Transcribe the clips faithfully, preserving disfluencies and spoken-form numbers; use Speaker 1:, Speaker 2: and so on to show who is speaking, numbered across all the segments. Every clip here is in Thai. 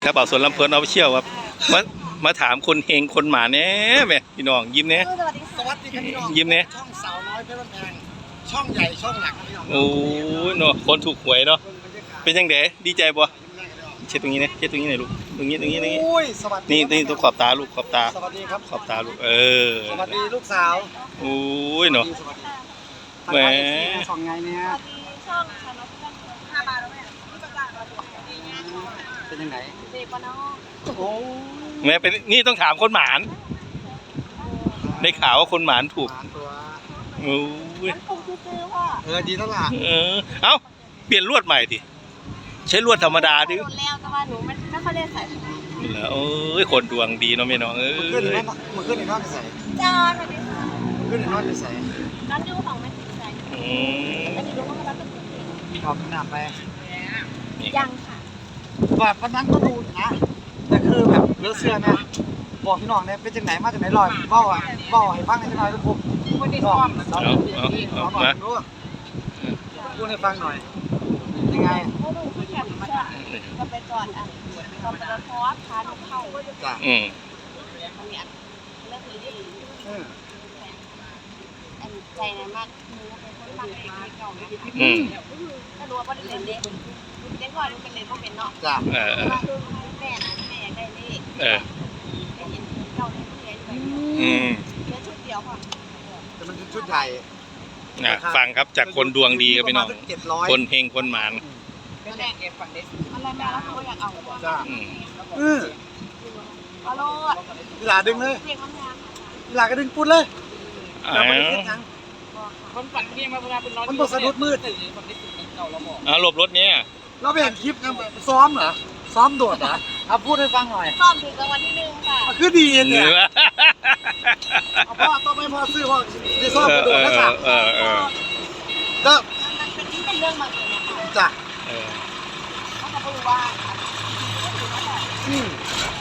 Speaker 1: ครับบ่าวสวนลำเพลินเอาไปเชี่ยวครับมามาถามคนเฮงคนหมาเนี้ยแม่พี่น้องยิ้มเนี้ย
Speaker 2: สวัสดีสวัสดีครับพี่น้อง
Speaker 1: ยิ้มเนี้ย
Speaker 2: ช่องสาวน้อยเพชรบ้านแพงช่องใหญ่ช่องหลักครับพี่น้อง
Speaker 1: โอ้ยเนาะคนถูกหวยเนาะเป็นยังไงดีใจบ่เช็ดตรงนี้นะเช็ดตรงนี้หน่อยลูกตรงนี้ตรงนี้ตรงนี้
Speaker 2: โอ้ยสวัสดี
Speaker 1: นี่นี่ต้องขอบตาลูกขอบตา
Speaker 2: สวัสดีครับ
Speaker 1: ขอบตาลูกเออ
Speaker 2: สวัสดีลูกสาว
Speaker 1: โอ้ยเนาะ
Speaker 2: สวัสดี
Speaker 1: แหม
Speaker 2: สองไงเนี่ย
Speaker 3: สวัสดีช่องชาแนลเพื่อนห้าบาทแล้วแม่ที่ประกาศมาดีงานช่อง
Speaker 2: เป็นยังไง
Speaker 3: เด็กปนอก
Speaker 2: โอ้
Speaker 1: แม่เป็นนี่ต้องถามคนหมานได้ข่าวว่าคนหมานถูก
Speaker 2: หลานตัว
Speaker 1: โอ้ย
Speaker 3: มันคงซื้อๆพ่อ
Speaker 2: เออดีแล้วล่ะ
Speaker 1: เออเอ้าเปลี่ยนลวดใหม่ดิใช้ลวดธรรมดาดิ
Speaker 3: โดนแล้วแต่ว่าหนูไม่ไม่ค่อยได้ใส่
Speaker 1: แล้วโอ้ยคนดวงดีเนาะแม่น้องเอ้
Speaker 2: มันขึ้นใน
Speaker 1: ย
Speaker 2: นอนมันขึ้นในนอนใส่
Speaker 3: จานสวัสดีค่ะ
Speaker 2: มันขึ้นในนอนใส่
Speaker 3: ร้านดูของแม่ติดใจ
Speaker 1: อืม
Speaker 3: อันนี้รู้ว่าเขารับเป็นจริง
Speaker 2: ขอบน้ำไป
Speaker 3: ยังค่ะ
Speaker 2: แบบวันนั้นก็ดูนะแต่คือแบบเลือเสื้อเนี่ยบอกพี่น้องเนี่ยเป็นจังไหนมาจากไหนลอยเบ้าอ่ะเบ้าให้ฟังในจังหน่อยทุกคนวันนี้ซ้อม
Speaker 1: เอาเอาเอา
Speaker 2: เอาหน่อ
Speaker 1: มาย
Speaker 2: รู้พูดให้ฟังหน่อยยังไง
Speaker 3: เขาดูที่แคปชั่นก็ไปจอดอ่ะก็ไปรถเพราะว่าพาดูเข้า
Speaker 2: จ้ะ
Speaker 1: อืม
Speaker 3: อันนี้เรื่องนี้ดี
Speaker 2: เออ
Speaker 3: อันใจนะมากหนูเป็นคนฟังเพลงเก่านะ
Speaker 1: อืม
Speaker 3: ถ้ารู้ว่าประเด็นเด็กเด็กก่อนเป็นเด็กก็เป็นเนาะ
Speaker 2: จ้ะ
Speaker 1: เออเออ
Speaker 3: ว่าแม่นะแม่ได้เลข
Speaker 1: เออ
Speaker 3: ได้ยินเก่าได้เรียนไป
Speaker 1: อืม
Speaker 3: เรียนชุดเดียวค่ะ
Speaker 2: แต่มันชุดใหญ่
Speaker 1: อ่ะฟังครับจากคนดวงดีครับพี่น้อง
Speaker 2: เจ็ดร้อย
Speaker 1: คนเฮงคนหมาน
Speaker 3: ก็แรกเก็บฝันเด็กอะไรแม่แล้วเขาก็อยากเอา
Speaker 2: จ้ะ
Speaker 1: อืม
Speaker 2: เออ
Speaker 3: เอาโลด
Speaker 2: เวลาดึงเลย
Speaker 3: เรียกน้ำยา
Speaker 2: เวลาก็ดึงปุ๊ดเลย
Speaker 1: อ้า
Speaker 2: เราไม่ได้
Speaker 1: ว
Speaker 2: คิดยัง
Speaker 4: คนฝันเพียงมาเวลาเป็นนอน
Speaker 2: มันบทสะดุดมืด
Speaker 4: คนที่สุดเก่าเราบอก
Speaker 1: เอาหลบรถเนี่ย
Speaker 2: เราไปเห็นคลิปนะซ้อมเหรอซ้อมโดดเหรอเอาพูดให้ฟังหน่อย
Speaker 3: ซ่อมถึงรางวัลที่หนึ่งค่ะ
Speaker 2: มันคือดี
Speaker 1: เอ
Speaker 2: เนี่ย
Speaker 1: อ
Speaker 2: เอาพ่อต้องไม่พ่อซื้อพ่อได้ซ้อม
Speaker 1: เอก
Speaker 2: ระ
Speaker 1: อ
Speaker 2: โดดนะจ๊ะ
Speaker 1: เออเออ
Speaker 2: แล้ว
Speaker 3: มันเป็นที่เป็นเรื่องมาเลยนะคะ
Speaker 2: จ้ะ
Speaker 1: เออ
Speaker 3: เขาจะรู้ว่า
Speaker 2: อืม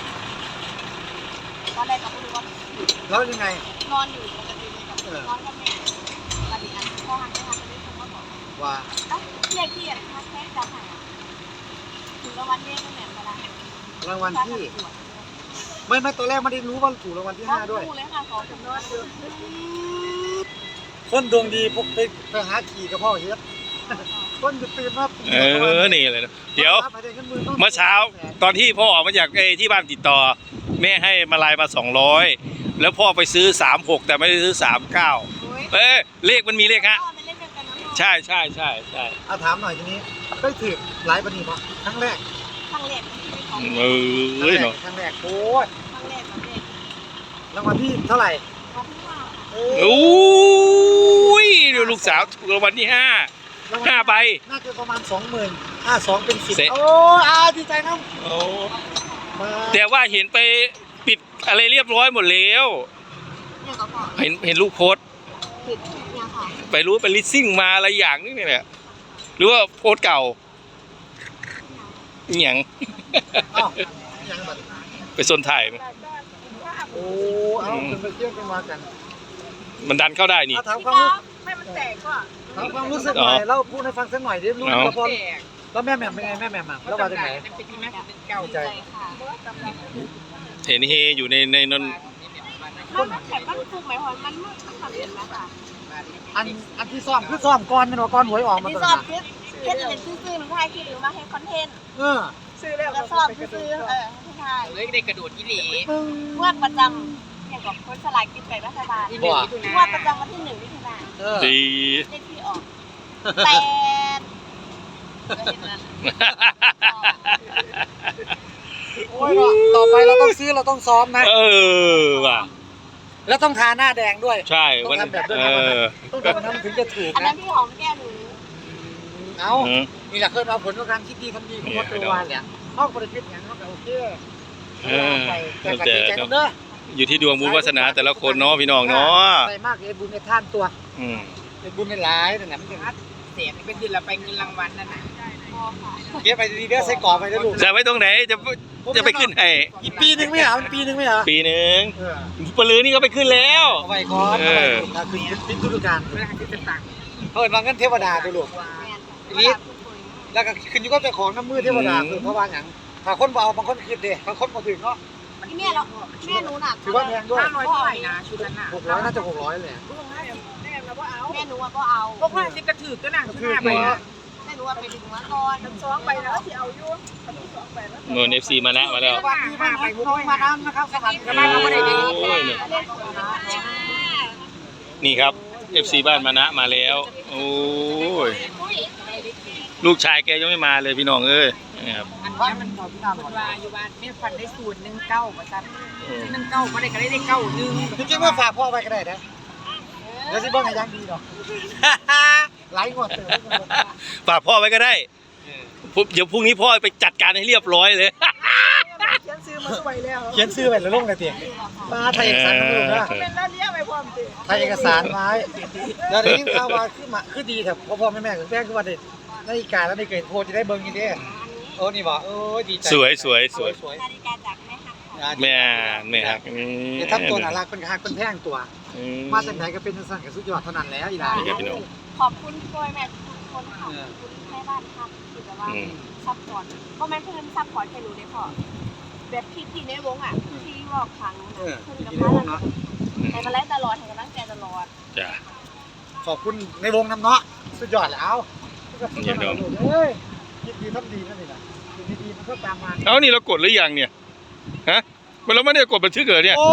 Speaker 3: ตอนแรกเขาไม่รู้ว่า
Speaker 2: แล้วยังไง
Speaker 3: นอนอยู่ปกติเลยกับนอนกับแม่ตอนนี้อันพ่อหันไปทางนี้เขาก็บอก
Speaker 2: ว่า
Speaker 3: เอ้ยเรียกที่อะไรคะแค่จะหาถึงรางวัลเลขก็แหนมมาแล้ว
Speaker 2: รางวัลที่ไม่ไม่ตัวแรกไม่ได้รู้ว่าถูกรางวัลที่ห้าด้วย
Speaker 3: ดูเลยค่ะขอจำนวนดู
Speaker 2: คนดวงดีพวกไปไปหาขี่กับพ่อเฮ็ดคนจะตื่นมา
Speaker 1: เออนี่เลยนะเดี๋ยว
Speaker 2: ไปได้งินหนต้อง
Speaker 1: เมื่อเช้าตอนที่พ่อออกมาจากไอ้ที่บ้านติดต่อ แม่ให้มาลายมาสองร้อยแล้วพ่อไปซื้อสามหกแต่ไม่ได้ซื้อสามเก้าเอ้ยเลขมันมีเลขฮะ
Speaker 3: เป็นเลขเดียวกันนะ
Speaker 1: ใช่ใช่ใช่ใช่
Speaker 2: เอาถามหน่อยทีนี้ได้ถือหลายปนีป่ะครั้งแรก
Speaker 3: ทางเลขที่เป็นของ
Speaker 1: เออเนาะ
Speaker 2: ครั้งแรกโอ้ย
Speaker 3: ทางเลขของเลข
Speaker 2: รางวัลที่เท่าไหร่
Speaker 3: ของพี่ว่า
Speaker 2: เอ
Speaker 1: โอ้ยดูลูกสาวถูกรางวัลที่ห้าห้าใบ
Speaker 2: น่าจะประมาณสองหมื่นห้าสองเป็นสิบ
Speaker 1: เสร็จ
Speaker 2: โอ้ยอาดีใจนะ
Speaker 1: โอ้
Speaker 2: มา
Speaker 1: แต่ว่าเห็นไปปิดอะไรเรียบร้อยหมดแล้ว
Speaker 3: เนี่ยก็พอ
Speaker 1: เห็นเห็นลูกโพสต์
Speaker 3: ผิดเนี่ยค่ะ
Speaker 1: ไปรู้ไปลิสซิ่งมาอะไรอย่างนี้เนี่ยแหละหรือว่าโพสต์เก่าอหย่าง
Speaker 2: เอ้ายังบัด
Speaker 1: ไปซนถ่ายไหม
Speaker 2: โอ้เอาขึ้นไปเที่ยวกันมากัน
Speaker 1: มันดันเข้าได้นี่
Speaker 2: เอาถาม
Speaker 3: พี่
Speaker 2: ความ
Speaker 3: ก้อ
Speaker 2: รู้
Speaker 3: ไม่มันแตกก็
Speaker 2: ถามความรู้สึกหน่อย
Speaker 1: อ๋อ
Speaker 2: เล่าพูดให้ฟังสักหน่อยดิรู้
Speaker 1: เอา
Speaker 2: แล้วพอ
Speaker 4: แตก
Speaker 2: แล้วแม่แหม่มเป็นไงแม่แหม่มอ่ะแล้วมาจากไหน
Speaker 4: เป็นที่แม่เป็นเก่า
Speaker 2: ดีใจ
Speaker 3: ใจค่ะ
Speaker 1: เห็นเฮอยู่ในในนั้น
Speaker 3: มันมันแข็งมันฟูไหมคะมันมันมันทำเองนะคะ
Speaker 2: อันอันที่ซ้อมคือซ้อมก่อนแมันว่าก่อนหวยออกมา
Speaker 3: ที่
Speaker 2: ตอน
Speaker 3: สอบ
Speaker 2: นั้น
Speaker 3: คิดแค่จะเป็นซื่อๆหนูถ่ายคลิปหรือมาให้คอนเทนต์
Speaker 2: เออ
Speaker 3: แล้วสอบซื่อๆเออให้ถ่าย
Speaker 4: เลยเด็กกระโดดยี่หลี
Speaker 3: งวดประจำอย่างกับคนสลายกินแบ่งรัฐบาล
Speaker 4: ยี่หลี
Speaker 3: งวดประจำวันที่หนึ่งมิถุนายน
Speaker 2: เออ
Speaker 1: ดี
Speaker 3: เลขที่ออกแปดก็เห็นแล้ว
Speaker 2: โอ้ยว่ะต่อไปเราต้องซื้อเราต้องซ้อมนะ
Speaker 1: เออว่ะ
Speaker 2: แล้วต้องทาหน้าแดงด้วย
Speaker 1: ใช่
Speaker 2: ต้อง
Speaker 1: วัน
Speaker 2: ทำแบบด้วย
Speaker 1: เอ
Speaker 2: นะ
Speaker 1: อ
Speaker 2: ต้องทำแบบนั้นถึงจะถูก
Speaker 3: อันนั้
Speaker 2: นะ
Speaker 3: นที่หอมแก้มหนู
Speaker 2: เอา
Speaker 1: อืม
Speaker 2: นี่แหละเคยเอาผลของการคิดดีทำดีของวัดตัววานเนี่ยเขาก็บริคิดอย่างเขาก็โอเค
Speaker 1: เออ
Speaker 2: ไปแต่ก็
Speaker 1: แต่
Speaker 2: ดีใจกันเด้อ
Speaker 1: อยู่ที่ดวงบุญวาสนาแต่ละคนเนาะพี่น้องเนาะ
Speaker 2: ใส่มากเลยบุญในท่านตัว
Speaker 1: อืม
Speaker 2: เป็นบุญในหลายนั่นแหละมันเป็น
Speaker 4: เสียเป็นที่เราไปเงินรางวัลนั่นนะ
Speaker 3: พอค่ะ
Speaker 2: เก็บไปดีๆเด้อใส่กรอบไปเด้อลูก
Speaker 1: จะไว้ตรงไหนจะจะไปขึ้นให้
Speaker 2: อีกปีนึงไม่เหรอมันปีนึงไม่เหรอ
Speaker 1: ปีหนึ่ง
Speaker 2: เออ
Speaker 1: ปลือนี่ก็ไปขึ้นแล้ว
Speaker 2: เอาไว้ก่อน
Speaker 1: เอ
Speaker 2: เอาไว้
Speaker 1: อ
Speaker 2: ถ้าคือปิดฤดูกาล
Speaker 4: เวลาที่จะตังค์
Speaker 2: เปิดมาเงินเทวดาตัวลูก
Speaker 3: แมน
Speaker 2: อีลิส แล้วก็ขึ้นอยู่กับเจ้าของน้ำมือเทวดาคือเพราะว่าอย่างถ้าคนบ่เอาบางคนคิดเด้บางคนบ่ถึงเนาะ
Speaker 3: ที่แม่เราแม่หนูน่ะ
Speaker 2: ถือว่าแพงด้วย
Speaker 4: ห้าร้อยเท่าไหร่นะชุดนั้นน่ะ
Speaker 2: หกร้อยน่าจะหกร้อยเลย
Speaker 3: แม่หนูก็เอา
Speaker 4: พวกห้าสิบกระถือก็น่ะชุดห้าใบนะ
Speaker 3: แม่หนูไปดึงมาก่อนสองไปแล้วที่เอาอยู่
Speaker 1: โน่น เอฟ ซี มานะมาแล้ว
Speaker 2: สวัสดีบ้านน้องมาดามนะครับสวัสดีครับ
Speaker 1: โอ้ยนี่ครับ เอฟ ซี บ้านมานะมาแล้วโอ้ยลูกชายแกยังไม่มาเลยพี่น้องเอ้ยนี่ครับ
Speaker 4: อันนี้มันต่อพี่น้องว่าอยู่บ้านแม่ฟันได้สูตรหนึ่งเก้าประจันหนึ่งเก้าก็ได้ก็ได้ได้เก้าหนึ่ง
Speaker 2: จริงๆว่าฝากพ่อไว้ก็ได้นะเดี๋ยวสิเบิ่งให้ยังดีดอกไลฟ์งวดเต๋อ
Speaker 1: ฝากพ่อไว้ก็ได้ผมเดี๋ยวพรุ่งนี้พ่อไปจัดการให้เรียบร้อยเลย
Speaker 2: เขียนซื้อมาสวยแล้วเขียนซื้อไว้แล้วลงในเตียงมาไทยเอกสารมาลงนะ
Speaker 3: เป็นแล้วเลี้ยงไปพร้อมสิ
Speaker 2: ไทยเอกสารไว้เดี๋ยวได้ยินข่าวว่าคือมาคือดีแต่พ่อพ่อแม่แม่คือแม่คือว่าเด็กนาฬิกาแล้วนี่เกิดโพจะได้เบิ่งนี่เด้โอ้นี่บ่โอ้ดีใจ
Speaker 1: สวยสวยสวย
Speaker 2: สวย
Speaker 3: นาฬิกาจากแม่ฮักของ
Speaker 1: แม่แม่ฮักนี่
Speaker 2: เดี๋ยวทำตัวน่ารักเป็นฮักเป็นแพงตัว
Speaker 1: อื
Speaker 2: มาจากไหนก็เป็นสั่นกับสุดยอดเท่านั้นแล้วอีหลา
Speaker 1: นี่ครับพี่น้อง
Speaker 3: ขอบคุณพ่อแม่ทุกคนขอบคุณแม่บ้านครับที่แบบว่า
Speaker 1: อืม
Speaker 3: ซัพพอร์ตพ่อแม่เพื่อนซัพพอร์ตแค่รู้ได้พอแบบพี่พี่ในวงอ่ะพี่รอบครั้ง
Speaker 2: เออ
Speaker 3: เพื่อน
Speaker 2: ดี
Speaker 3: กับ
Speaker 2: ใน
Speaker 3: พ่อ
Speaker 2: วงเนาะ
Speaker 3: ให้มาไล่ตลอดให้กำลังใจตลอด
Speaker 1: จ้ะ
Speaker 2: ขอบคุณในวงน้ำเนาะสุดยอดแล้ว
Speaker 1: อย่าดม
Speaker 2: เฮ้ยคิดดีทำดีนั่นนี่แหละคิดดีๆมันก็ตามมา
Speaker 1: เอ้านี่เรากดหรือยังเนี่ยฮะมันเราไม่ได้กดบันทึกเหรอเนี่ย
Speaker 2: โอ้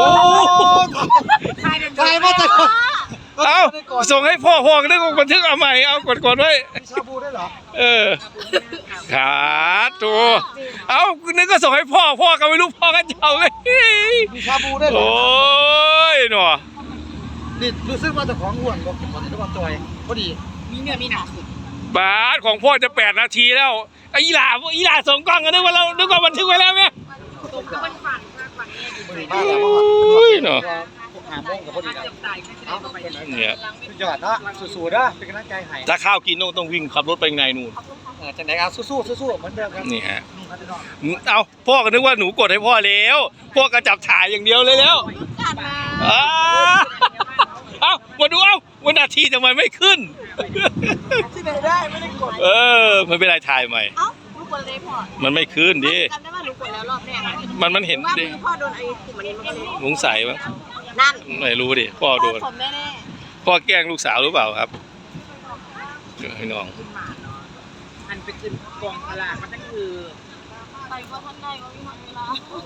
Speaker 2: ใครมาจาก
Speaker 1: เอ้าส่งให้พ่อพ่อก็ได้กดบันทึกเอาใหม่เอากดกดไว้
Speaker 2: มีชาบูด้วยเหรอ
Speaker 1: เออขาดตัวเอ้านึกก็ส่งให้พ่อพ่อก็ไม่รู้พ่อก็เจ้าเลย
Speaker 2: มีชาบูด้วยเหร
Speaker 1: โอ้
Speaker 2: อย
Speaker 1: หนอ
Speaker 2: นี่รู้สึกว่าเจะของอ้วนกว่ากินวันนี้ด้วยจอยพอดี
Speaker 4: มีเนื้อมีหนัง
Speaker 1: บาสของพ่อจะแปดนาทีแล้วไอ้อีหล่าอีหล่าส่งกล้องกันนึกว่าเรานึกว่าบันทึกไว้แล้วไหม
Speaker 4: ตรงกับมันฝันมากกว่านี้
Speaker 2: พอดีมากแล้ว
Speaker 1: โอ้ยเนาะ
Speaker 2: หาโมงกับพอดี
Speaker 4: เกือบตายไม่ได้เข้าไป
Speaker 1: เนี่ย
Speaker 2: สุดยอดเนาะสู้ๆเด้อเป็นกำลังใจให้
Speaker 1: ถ้าข้าวกินต้องต้องวิ่งขับรถไปข้างในนู่น
Speaker 2: เออจังไหนเอาสู้ๆสู้ๆเหมือนเดิมครับ
Speaker 1: นี่ฮะ
Speaker 2: นี่มาพี่น้อง
Speaker 1: เอาพ่อก็นึกว่าหนูกดให้พ่อแล้วพ่อก็จับถ่ายอย่างเดียวเลยแล้ว
Speaker 3: จัดมา
Speaker 1: อ้าเอามาดูเอาวันนาทีทำไมไม่ขึ้น
Speaker 2: ที่ไหนได้ไม่ได้กด
Speaker 1: เออไม่เป็นไรถ่ายใหม่
Speaker 3: เอ้าลูกกดเลยพ่อ
Speaker 1: มันไม่ขึ้นดิ
Speaker 3: จำได้ว่าหนูกดแล้วรอบแรก
Speaker 1: มันมันเห็น
Speaker 3: ว่า
Speaker 1: ดิ
Speaker 3: มือพ่อโดนไอ้กลุ่มอันนี้มันก็เลย
Speaker 1: สงสัยมั้ง
Speaker 3: นั่น
Speaker 1: ไม่รู้ดิพ่อโดน
Speaker 3: สมแน่
Speaker 1: พ่อแกล้งลูกสาวหรือเปล่าครับให้น้อง
Speaker 4: ขึ้นมาเนาะอันไปขึ้นกองพลามันก็คือ
Speaker 3: ๆไปว่าท่านใดว่ามีเวลา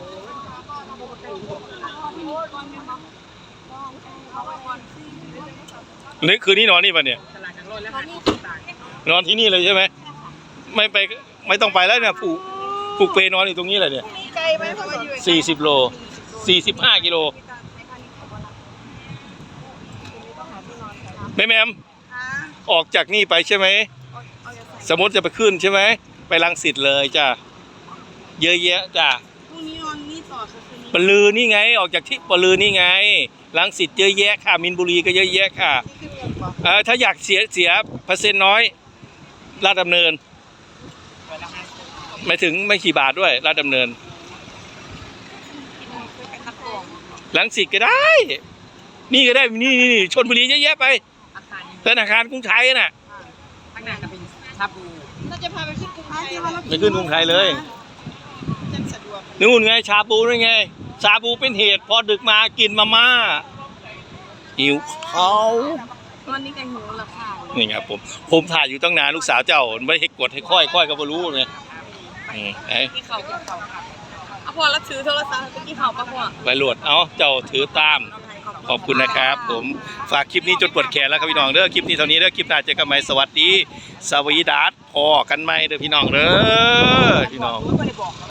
Speaker 3: พี่นุชก่อนไหมคะเอาไว้ก่อนสิ
Speaker 1: นี่คืนนี้นอนนี่ปะเนี่ย
Speaker 4: ตลาดนังรถแล้ว
Speaker 3: ตอ
Speaker 4: หาน
Speaker 3: นี้
Speaker 4: ของต่าง
Speaker 1: นอนที่นี่เลยใช่ไหมไม่ไปไม่ต้องไปแล้วเนี่ยผูกผูกเปนอนอยู่ตรงนี้เลยเนี่ย
Speaker 3: ไกลไหมเพราะว่าอยู่
Speaker 1: สี่สิบโลสี่สิบห้ากิโลแม่แมมออกจากนี่ไปใช่ไหมสมมติจะไปขึ้นใช่ไหมไปรังสิตเลยจ้ะเยอะแยะจ้ะ
Speaker 3: พรุ่งนี้นอนนี่ต่อคือคืนนี้
Speaker 1: ปลือนี่ไงออกจากที่ปลือนี่ไงรังสิตเยอะแยะค่ะมินบุรีก็เยอะแยะค่ะเออถ้าอยากเสียเสียเปอร์เซ็นต์น้อยลาดดำเนินไม่ถึงไม่กี่บาทด้วยลาดดำเนินรังสิตก็ได้ นี่ก็ได้นี่นี่ชลบุรีเยอะแยะไป
Speaker 4: อาคารนี้
Speaker 1: ธนาคารกรุงไทยน่ะ
Speaker 4: ข้างหน้าก็เป็นชาบู
Speaker 3: เราจะพาไปขึ้นกรุงไทย
Speaker 1: ไปขึ้นกรุงไทยเลย
Speaker 3: จะสะดวก
Speaker 1: นู่นไงชาบูนี่ไงชาบูเป็นเหตุพอดึกมากินมาม่าหิวเขาว
Speaker 3: ตอนนี้กันหิวแล้วค่ะ
Speaker 1: นี่ครับผมผมถ่ายอยู่ตั้งนานลูกสาวเจ้าไม่ให้กดให้ค่อยค่อยก็ไม่รู้ไงอืมไอ้
Speaker 3: ที่เขาที่เขาค่ะเอาพอแล้วถือโทรศัพท์ไปที่เขาปะพ่อ
Speaker 1: ไปโหลดเอาเจ้าถือตามขอบคุณนะครับ ผมฝากคลิปนี้จนปวดแขนแล้วครับพี่น้องเด้อคลิปนี้เท่านี้เด้อคลิปหน้าเจอกันใหม่สวัสดีสวีดัสพอกันไหมเด้อพี่น้องเด้อพี่น้อง
Speaker 4: ไม่ได้บอก